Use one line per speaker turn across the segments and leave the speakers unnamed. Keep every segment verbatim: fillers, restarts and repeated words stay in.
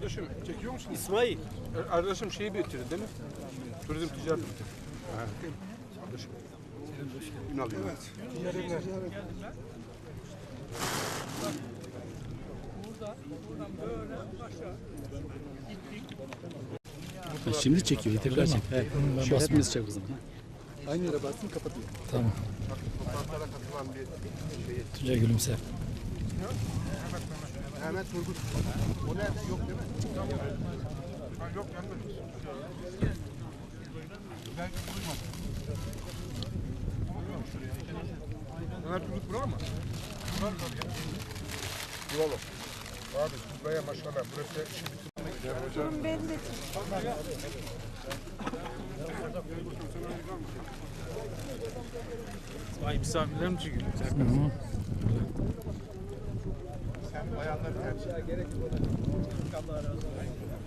Kardeşim çekiyor musun?
İsmail.
Arkadaşım şeyi bitirdin değil mi? Turizm ticaret bitirdin. Ha. Kardeşim. Ünal diyor. Evet. Ticaretler.
Şimdi çekiyor, tekrar çek. Evet. Basmıyoruz çek o zaman.
Aynı yere bassın kapatıyor.
Tamam.
Toplantılara katılan bir şey.
Tuncay gülümser.
Mehmet Turgut. O nerede? Yok değil mi? Ha, yok gelmedi. Belki duymadım. Mehmet Turgut bura mı? Bura mı? Buralı. Abi buraya maşallah. Burası işi bitirmek.
Ben de.
Ay misafirler mi çıkıyor?
Sen bayanlar tercih gerek yok. Allah razı olsun.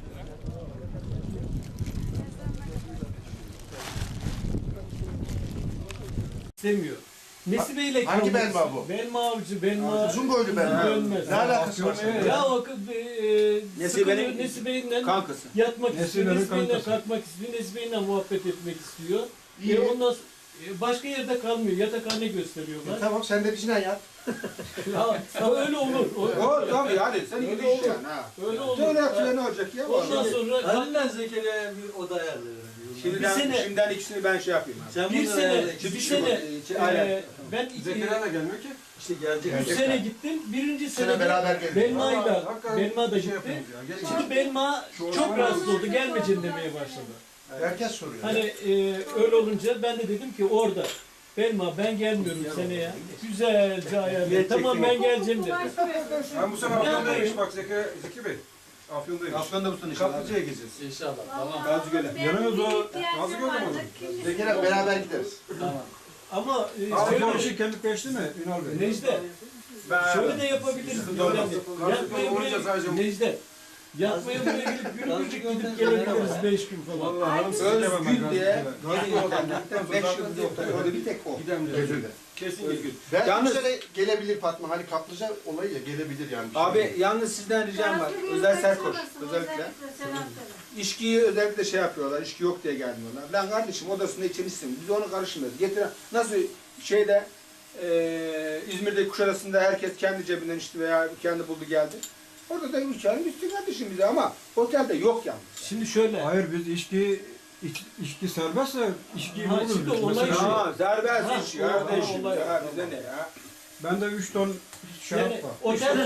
İstemiyor. Nesi Bey'le
Hangi belma bu?
Belma avcı, belma...
Uzun boylu belma.
Dönmez.
Ne alakası var senin?
Ya o kız e, sıkılıyor Nesi Bey'le
Kankası.
yatmak istiyor,
Nesi
Nesi Bey'le
kankası.
kalkmak istiyor, Nesi Bey'le muhabbet etmek istiyor.
İyi.
E, ondan sonra, e, başka yerde kalmıyor, yatakhane gösteriyorlar.
E, tamam sen de bizimle yat.
Ya, ya öyle olur. O,
O tabii yani sen
Öyle
gibi
olur.
iş yani ha.
öyle olur.
Öyle yapıyor ne olacak ya?
Ondan sonra
Halinden Zekeriya'ya bir oda ayarlıyorum.
Şimdiden,
Bir sene-
şimdiden ikisini ben şey yapayım. Abi.
Sen
bir
bunu
sene,
ayarla.
bir
İki
sene,
kişi-
e,
aynen.
ben iki,
Zekeriya da gelmiyor ki.
İşte gelecek.
üç sene gittim. Birinci
Sene
sene
beraber geldik.
Belma'yla,
Hakikaten
Belma da
şey
gitti.
yapıyoruz ya. Gel-
Şimdi Belma çok rahatsız oldu. Gelmeyeceğim demeye başladı.
Herkes soruyor.
Hani e, öyle olunca ben de dedim ki orada Belma ben gelmiyorum seneye. Güzelce ayarlayın. Tamam ben geleceğim dedim.
Ben bu sene Afyon'dayım bak Zeki, Zeki Bey. Afyon'dayım.
Afgan'da mısın inşallah?
Kaplıca'ya gideceğiz.
İnşallah. Tamam.
Gazi Göl'e.
Yanıyoruz o. Nazlı Göl'de mi olur?
Zekeriya beraber gideriz.
Ama e,
Afyon
şöyle,
işi kendi peşti mi Ünal Bey?
Necde şöyle de yapabiliriz. Önemli. Yatmaya buraya Necde. Yatmaya buraya gelip günübircik gidip gelebiliriz beş gün falan.
Allah hanım sizi demem ben.
Özgün diye
Gazi Göl'den
beş yıl yok. Orada bir tek o.
Gidelim diyor.
Gözünde.
Kesin Özgün.
Ben
Yalnız-
bu sene gelebilir Fatma. Hani kaplıca olayı ya gelebilir yani.
Abi yalnız sizden ricam var. Özel Serkoç özellikle. İçkiyi özellikle şey yapıyorlar. İçki yok diye gelmiyorlar. Lan kardeşim odasında içmişsin. Biz onu karışmıyoruz. Getiren nasıl şeyde eee İzmir'de Kuşadası'nda herkes kendi cebinden içti veya kendi buldu geldi. Orada da üç ayın üstü kardeşim bize ama otelde yok yalnız.
Şimdi şöyle.
Hayır biz içki iç, içki serbestse içki
Ha,
olur.
şimdi
biz.
olay
Mesela
şu.
Ha, serbest
Ha,
iş
o- o
kardeşim
olay-
ya bize ne ya?
Bende üç ton şarap
Yani
var.
otel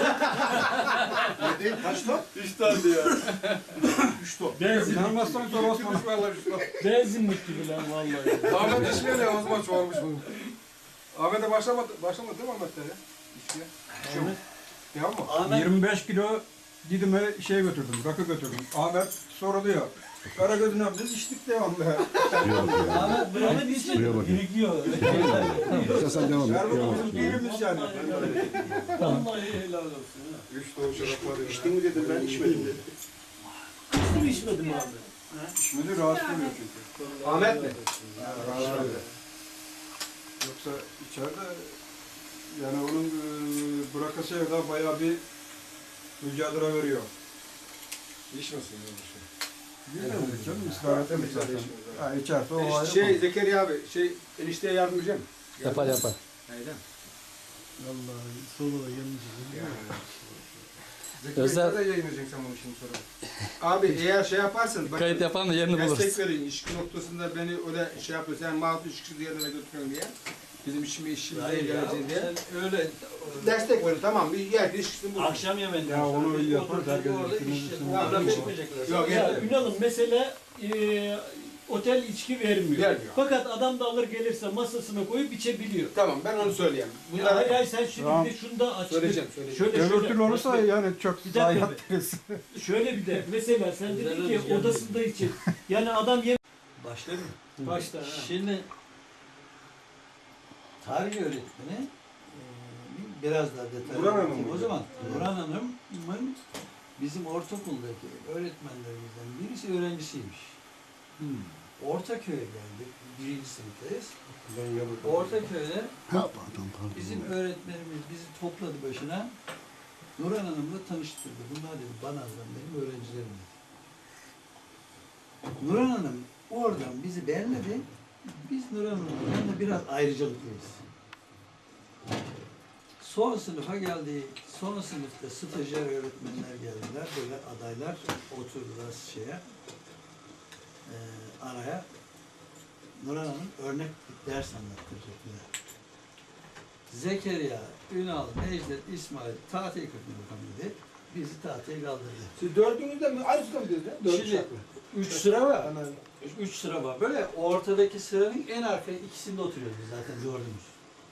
Ne değil? Kaç ton?
üç tane diyor.
Üç ton.
benzin,
İnanmazsan sor Osman.
benzinlik gibi lan vallahi.
Ahmet içmiyor ya o zaman çoğalmış bu. Ahmet'e başlamadı, başlamadı değil mi Ahmet'te ya? İçkiye.
Ahmet.
Devam mı?
Ahmet
yirmi beş kilo Didim'e şey götürdüm, rakı götürdüm. Ahmet soruluyor. Karagöz'ün biz içtik devamlı.
Ahmet buranın içi birikiyor.
Sen devam
Şerbetimiz birimiz yani.
Vallahi helal olsun. ha.
Üç doğu şarap var ya.
İçtin mi dedim ben içmedim dedim.
İçtim içmedim abi.
İçmedi rahatsız oluyor çünkü.
Ahmet mi?
Rahatsız oluyor. Yoksa içeride yani onun e, bırakası evde bayağı bir mücadele veriyor. İçmesin ya bir şey. Bilmiyorum canım ısrar etmemiş zaten. Ha içerse o ayrı.
Şey Zekeriya abi şey enişteye yardımcı mı?
Yapar yapar.
Neyden?
Vallahi solu da gelmiş.
Özel-
Zekeriya da yayınlayacaksın sen bunu şimdi sonra.
Abi eğer şey yaparsan bak,
Kayıt yapan da yerini buluruz.
destek verin ilişki noktasında beni öyle şey yapıyor. Sen mağdur ilişkisi diğerlere götürüyorsun diye. Bizim işimi işimize
Hayır ya,
geleceğiz diye.
sen öyle
Destek verin tamam bir yer ilişkisini bulun.
akşam yemeğinde.
Ya onu iyi yapar,
Oturup
herkes
orada
üstüne
iş-
üstüne
Fotoğraf
yapıyor.
çekmeyecekler.
Yok,
Ya
evet.
Ünal'ım mesela e, otel içki vermiyor.
Vermiyor.
Fakat adam da alır gelirse masasına koyup içebiliyor.
Tamam ben onu söyleyeyim.
Ya
Bunlar
hayır hayır sen şimdi
Tamam.
bir de şunu da açtın.
Söyleyeceğim, söyleyeceğim.
Şöyle,
Öbür
şöyle,
türlü olursa
bak,
yani çok
Bir dakika
zayiat
be.
deriz.
şöyle bir de mesela sen dedin ki
Güzel
odasında için. Yani adam yem
Başlayalım.
başta. ha.
Şimdi tarih öğretmeni e, biraz daha detaylı
Burhan Hanım
anlatayım.
mı?
O zaman Burhan Hanım'ın bizim ortaokuldaki öğretmenlerimizden birisi öğrencisiymiş. Ortaköy'e geldik. Birinci sınıftayız. Ortaköy'de bizim öğretmenimiz bizi topladı başına. Nurhan Hanım'la tanıştırdı. Bunlar dedi Banaz'dan benim öğrencilerim. Nurhan Hanım oradan bizi beğenmedi. Biz Nurhan Hanım'la yanında biraz ayrıcalıklıyız. Son sınıfa geldik. Son sınıfta stajyer öğretmenler geldiler. Böyle adaylar oturdular şeye. E, araya. Nurhan Hanım örnek bir ders anlattıracak bize. Zekeriya, Ünal, Necdet, İsmail tahtaya kırpın bakalım dedi. Bizi tahtaya kaldırdı.
Siz dördünüzde mi? Aynı sırada mı dediniz? Dört
Şimdi
uşak mı?
üç sıra var.
Anladım.
Üç sıra var. Böyle ortadaki sıranın en arka ikisinde oturuyoruz biz zaten dördümüz.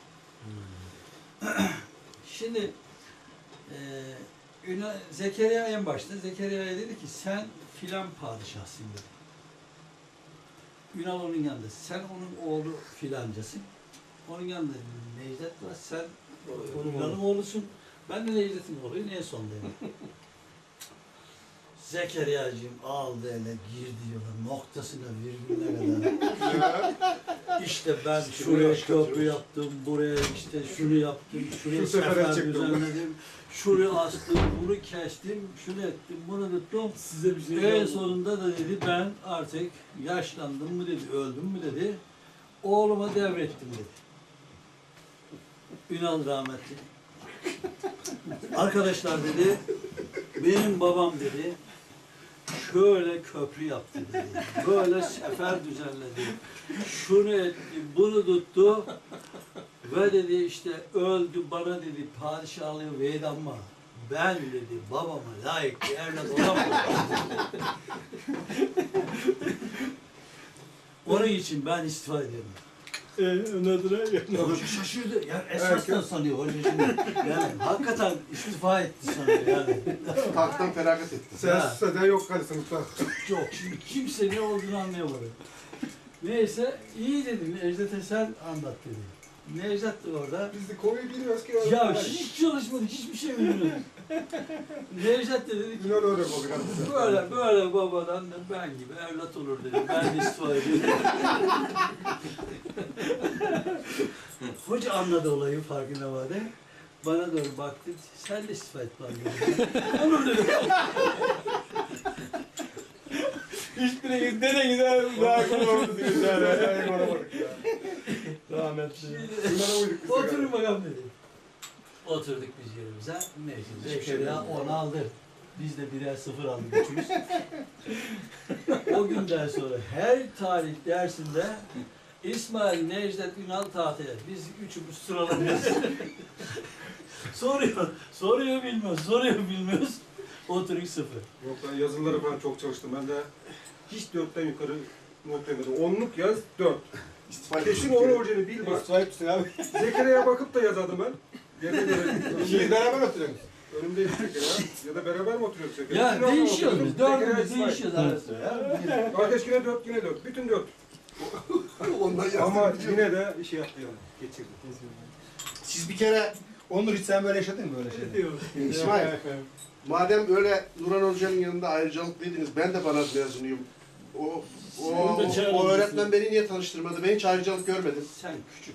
Şimdi e, Ünal, Zekeriya en başta. Zekeriya'ya dedi ki sen filan padişahsın dedi. Ünal onun yanında. Sen onun oğlu filancasın. Onun yanında Necdet var. Sen Ünal'ın oğlusun. Ben de Necdet'in oğluyum. En son dedim. Zekeriya'cığım aldı ele girdi yola noktasına virgülüne kadar. İşte ben şuraya köprü yaptım, buraya işte şunu yaptım, şuraya
Şu sefere
sefer
çıktım.
düzenledim, şurayı astım, bunu kestim, şunu ettim, bunu tuttum.
Size bir şey
En sonunda da dedi ben artık yaşlandım mı dedi, öldüm mü dedi, oğluma devrettim dedi. Ünal rahmetli. Arkadaşlar dedi, benim babam dedi, şöyle köprü yaptı dedi, böyle sefer düzenledi, şunu etti, bunu tuttu ve dedi işte öldü bana dedi padişahlığı verin ama ben dedi babama layık bir evlat olamadım. Onun için ben istifa ediyorum. Hoca şaşırdı. Yani esasdan sanıyor hoca şimdi. Yani hakikaten istifa etti sanıyor yani.
Tahttan feragat etti.
Ha.
Ses de yok hadi sınıfta.
Yok şimdi kimse ne olduğunu anlayamadı. Neyse iyi dedim Necdet'e sen anlat dedi. Necdet de orada.
Biz de konuyu biliyoruz ki.
Ya hiç çalışmadık, hiçbir şey bilmiyoruz. Necdet de dedi ki
Ünal öyle o biraz.
böyle böyle babadan da ben gibi evlat olur dedi. Ben de istifa ediyorum. Hoca anladı olayı farkına vardı. Bana doğru baktı. Sen de istifa et bana dedi. Olur dedi.
Hiçbiri ne de güzel daha kullanmadı diyor yani. Yani varamadık ya.
Rahmetli.
Ünal'a uyduk biz.
Oturun bakalım dedi. Oturduk biz yerimize. Neyse Zekeriya on aldı. Biz de birer sıfır aldık üçümüz. O günden sonra her tarih dersinde İsmail, Necdet, Ünal tahtaya. Biz üçümüz sıralanıyoruz. soruyor, soruyor bilmiyoruz, soruyor bilmiyoruz. Oturup sıfır.
Yok ben yazıları falan çok çalıştım. Ben de hiç dörtten yukarı not yemedim. Onluk yaz, dört.
İstifa
Kesin
ettik.
onun orijini bil bak.
İstifa etmişsin abi.
Zekeriya'ya bakıp da yazardım ben. Yerine göre.
İkiniz beraber oturuyorsunuz.
Önümde Zekeriya. Ya da beraber mi oturuyoruz Zekeriya?
Ya
Ünal'la
değişiyoruz
oturuyordum.
biz,
Zekeriya,
dördümüz
İsmail.
değişiyoruz arasında ya.
Kardeş yine dört, yine dört. Bütün dört.
Ondan yazdım.
Ama yine de şey yaptı yani. Geçirdi.
Siz bir kere
Onur hiç sen böyle yaşadın mı böyle şeyler?
İsmail, madem öyle Nurhan Hoca'nın yanında ayrıcalıklıydınız, ben de Banaz mezunuyum. O, o, o, o öğretmen beni niye tanıştırmadı? Ben hiç ayrıcalık görmedim.
Sen küçük.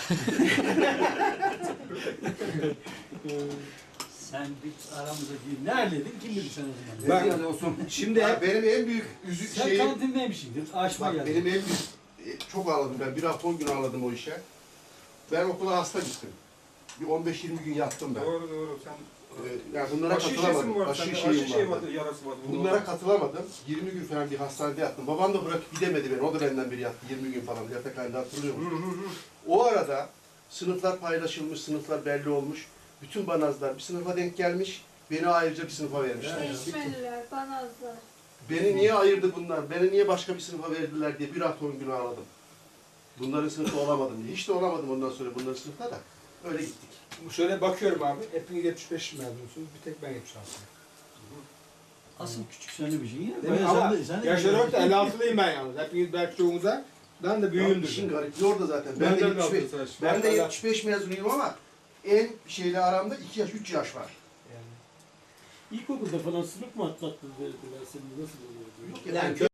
Sen bir aramızda değil. Neredeydin? Kim bilir sen o zaman?
Ben-
Yani olsun.
Şimdi
Ya
hep
benim en büyük üzük
Sen
şeyim...
kantindeymişsindir. Açma
Bak
geldi.
benim en büyük... e, Çok ağladım ben. Bir hafta on gün ağladım o işe. Ben okula hasta gittim. Bir on beş yirmi gün yattım ben.
Doğru doğru. Sen
Ee, yani bunlara
aşı şişesi
katılamadım.
mi var?
Aşı
Aşı,
şeyim
aşı şey
vardı.
vardı, yarası vardı.
Bunlara katılamadım. yirmi gün falan bir hastanede yattım. Babam da bırakıp gidemedi beni. O da benden biri yattı. yirmi gün falan. Yatakhanede hatırlıyor musun? O arada sınıflar paylaşılmış, sınıflar belli olmuş. Bütün banazlar bir sınıfa denk gelmiş. Beni ayrıca bir sınıfa vermişler.
Değişmeliler, banazlar.
Beni niye ayırdı bunlar? Beni niye başka bir sınıfa verdiler diye bir hafta on gün ağladım. Bunların sınıfı olamadım diye. Hiç de olamadım ondan sonra bunların sınıfta da. Öyle gittik.
şöyle bakıyorum abi. Hepiniz yetmiş beş mezunsunuz. Bir tek ben yetmiş altı.
Asıl küçük sen de bir şey ya.
Değil mi?
Bayağı
Ama
sen de- sen de-
yaşları yok da elli altılıyım ben yalnız. Hepiniz belki çoğumuza. Ben de
Ya
büyüğümdür.
işin garipliği orada zaten. Ben de yetmiş beş, ben de yetmiş beş mezunuyum ama en şeyle aramda iki yaş, üç yaş var.
İlkokulda falan sınıf mı atlattınız dediler seni nasıl oluyor?
Yok yani
Yani